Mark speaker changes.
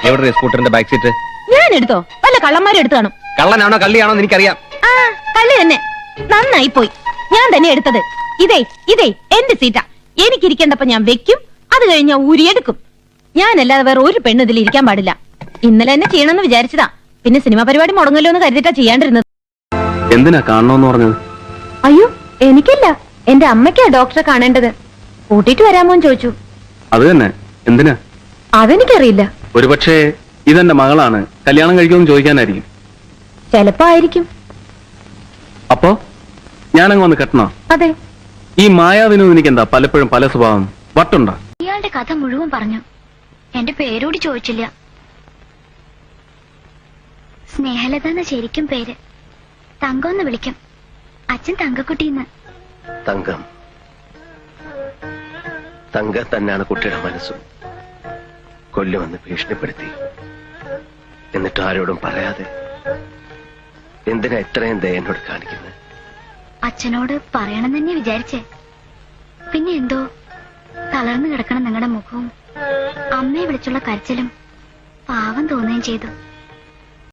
Speaker 1: എവിടെ സ്കൂട്ടറിന്റെ back seat?
Speaker 2: ഞാൻ എടുത്തോ? വല്ല കള്ളന്മാരും എടുത്തു കാണും.
Speaker 1: കള്ളനാണോ കള്ളിയാണോ എന്ന് എനിക്കറിയാം.
Speaker 2: ആ കള്ളി തന്നെ. നന്നായി പോയി. ഞാൻ തന്നെ എടുത്തത്. ഇതേ എന്റെ സീറ്റാ. എനിക്കിരിക്കേണ്ടപ്പോ ഞാൻ വെക്കും, അത് കഴിഞ്ഞ് ഊരിയെടുക്കും. ഞാനല്ലാതെ വേറെ ഒരു പെണ്ണ് ഇതിൽ ഇരിക്കാൻ പാടില്ല. ഇന്നലെ എന്നെ ചെയ്യണമെന്ന് വിചാരിച്ചതാ. പിന്നെ സിനിമ പരിപാടി മുടങ്ങല്ലോ എന്ന് കരുതിട്ടാ ചെയ്യാണ്ടിരുന്നത്.
Speaker 1: എന്തിനാ കാണണോന്ന് പറഞ്ഞത്?
Speaker 2: അയ്യോ എനിക്കല്ല, എന്റെ അമ്മയ്ക്കാ ഡോക്ടറെ കാണേണ്ടത്. കൂട്ടിട്ട് വരാമോന്ന് ചോദിച്ചു.
Speaker 1: അത് തന്നെ. എന്തിനാ?
Speaker 2: അതെനിക്കറിയില്ല.
Speaker 1: ഒരുപക്ഷെ ഇതെന്റെ മകളാണ്, കല്യാണം കഴിക്കുമെന്ന് ചോദിക്കാനായിരിക്കും.
Speaker 2: ചെലപ്പോ ആയിരിക്കും.
Speaker 1: അപ്പോ ഞാനങ്ങ് വന്ന് കെട്ടണോ?
Speaker 2: അതെ.
Speaker 1: ഈ മായാവിനും എനിക്കെന്താ പലപ്പോഴും പല സ്വഭാവം? വട്ടുണ്ടോ?
Speaker 3: ഇയാളുടെ കഥ മുഴുവൻ പറഞ്ഞു. എന്റെ പേരോട് ചോദിച്ചില്ല. സ്നേഹലത എന്ന ശരിക്കും പേര്. തങ്കമെന്ന് വിളിക്കും. അച്ഛൻ തങ്കക്കുട്ടിന്ന്.
Speaker 4: തങ്കം തങ്ക തന്നെയാണ് കുട്ടിയുടെ മനസ്സും. കൊല്ലുമെന്ന് ഭീഷണിപ്പെടുത്തി. എന്നിട്ട് ആരോടും പറയാതെ എന്തിനാ ഇത്രയും ദയ എന്നോട് കാണിക്കുന്നത്?
Speaker 3: അച്ഛനോട് പറയണം തന്നെ വിചാരിച്ചേ. പിന്നെ എന്തോ തളർന്നു കിടക്കണം നിങ്ങളുടെ മുഖവും അമ്മയെ വിളിച്ചുള്ള കരച്ചിലും പാവം തോന്നുകയും ചെയ്തു.